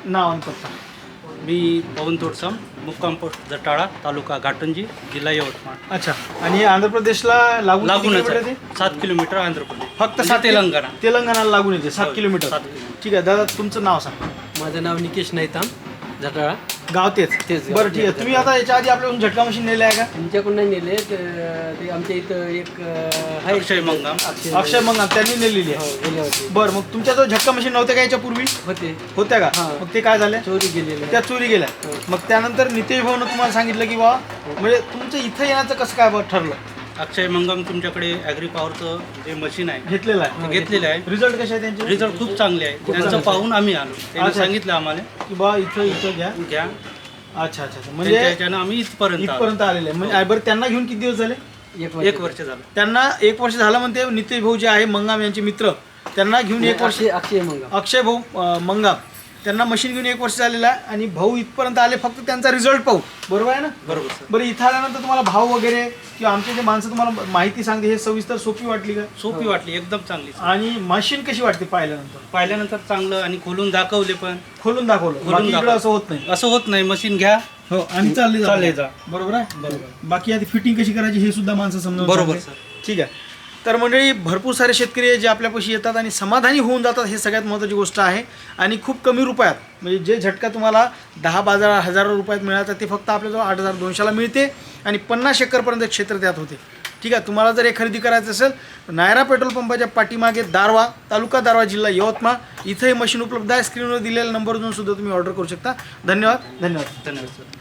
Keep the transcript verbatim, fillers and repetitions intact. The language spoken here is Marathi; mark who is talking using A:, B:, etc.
A: नाव आणि पत्ता.
B: मी पवन तोडसम, मुक्काम पोस्ट जटाळा, तालुका घाटंजी, जिल्हा यवतमाळ.
A: अच्छा. आणि हे आंध्र प्रदेशला लागून किती
B: लागूनच
A: किलोमीटर
B: आहे.
A: ते?
B: सात किलोमीटर आंध्र प्रदेश,
A: फक्त
B: म्हणजे
A: सात
B: तेलंगणा.
A: तेलंगणाला लागून येते सात
B: हो,
A: किलोमीटर.
B: सात किलोमीटर.
A: ठीक आहे दादा, तुमचं नाव सांग.
C: माझं नाव निकेश नैताम, जटाळा.
A: गाव तेच
C: तेच गाव.
A: बरं ठीक आहे. तुम्ही आता याच्या आधी आपल्याकडून झटका मशीन नेले आहे का?
C: तुमच्याकडून नाही नेले तर ते आमच्या इथं एक अं, आहे
B: अक्षय मंगाम.
C: अक्षय
A: अक्षय मग त्यांनी नेलेली
C: हो,
A: आहे.
C: गेले होते.
A: बरं, मग तुमच्या जो झटका मशीन नव्हत्या का याच्या पूर्वी?
C: होते
A: होत्या का?
C: हा.
A: मग ते काय झाले?
C: चोरी गेलेले.
A: त्या चोरी गेल्या.
C: हो.
A: मग त्यानंतर नितेश भाऊनं तुम्हाला सांगितलं की बा म्हणजे तुमचं इथं येण्याचं कसं काय बा ठरलं?
B: अक्षय मंगम तुमच्याकडे ॲग्री पॉवरचं जे मशीन आहे
A: घेतलेलं आहे.
B: ते घेतलेलं आहे.
A: रिझल्ट कसे आहे त्यांचे?
B: रिझल्ट खूप चांगले आहे. त्यांचं
A: चांगले.
B: पाहून आम्ही आलो. त्यांनी
A: अच्छा.
B: सांगितलं आम्हाला
A: की बा इथं इथं घ्या.
B: घ्या.
A: अच्छा अच्छा अच्छा.
B: म्हणजे
A: म्हणजे
B: त्याच्यानं आम्ही इथपर्यंत आलो.
A: इथपर्यंत आलेले आहे. म्हणजे बरं, त्यांना घेऊन किती दिवस झाले?
C: एक
B: एक वर्ष झालं.
A: त्यांना एक वर्ष झालं म्हणते. नितेश भाऊ जे आहे मंगाम यांचे मित्र, त्यांना घेऊन एक वर्ष.
C: अक्षय अक्षय मंगा.
A: अक्षय भाऊ अं, मंगाम त्यांना मशीन घेऊन एक वर्ष झालेलं आहे. आणि भाऊ इथपर्यंत आले फक्त त्यांचा रिझल्ट पाहू. बरोबर आहे ना?
B: बरोबर सर.
A: बरं, इथं आल्यानंतर तुम्हाला भाव वगैरे किंवा आमचे जे माणसं तुम्हाला माहिती सांगते हे सविस्तर सोपी वाटली का?
B: सोपी वाटली, एकदम चांगली.
A: आणि मशीन कशी वाटते पाहिल्यानंतर?
B: पाहिल्यानंतर चांगलं आणि खोलून दाखवले पण.
A: खोलून दाखवलं.
B: खोलून
A: बाकी इकडं
B: दाखवलं.
A: असं होत नाही.
B: असं होत नाही. मशीन घ्या.
A: हो, आणि चालले
B: चालले जा.
A: बरोबर आहे. बाकी आधी फिटिंग कशी करायची हे सुद्धा माणसं समजून
B: बरोबर
A: सांगते.
B: सर.
A: ठीक आहे. तर मंडळी, भरपूर सारे शेतकरी आहे जे आपल्यापाशी येतात आणि समाधानी होऊन जातात. हे सगळ्यात महत्त्वाची गोष्ट आहे. आणि खूप कमी रुपयात, म्हणजे जे झटका तुम्हाला दहा बाजार हजारो रुपयात मिळाला ते फक्त आपल्याजवळ आठ हजार दोनशेला मिळते. आणि पन्नास एकरपर्यंत क्षेत्र त्यात होते. ठीक आहे. तुम्हाला जर हे खरेदी करायचं असेल तर नायरा पेट्रोल पंपाच्या पाठीमागे दारवा, तालुका दारवा, जिल्हा यवतमाळ, इथं हे मशीन उपलब्ध आहे. स्क्रीनवर दिलेल्या नंबरवरून सुद्धा तुम्ही ऑर्डर करू शकता. धन्यवाद. धन्यवाद.
B: धन्यवाद सर.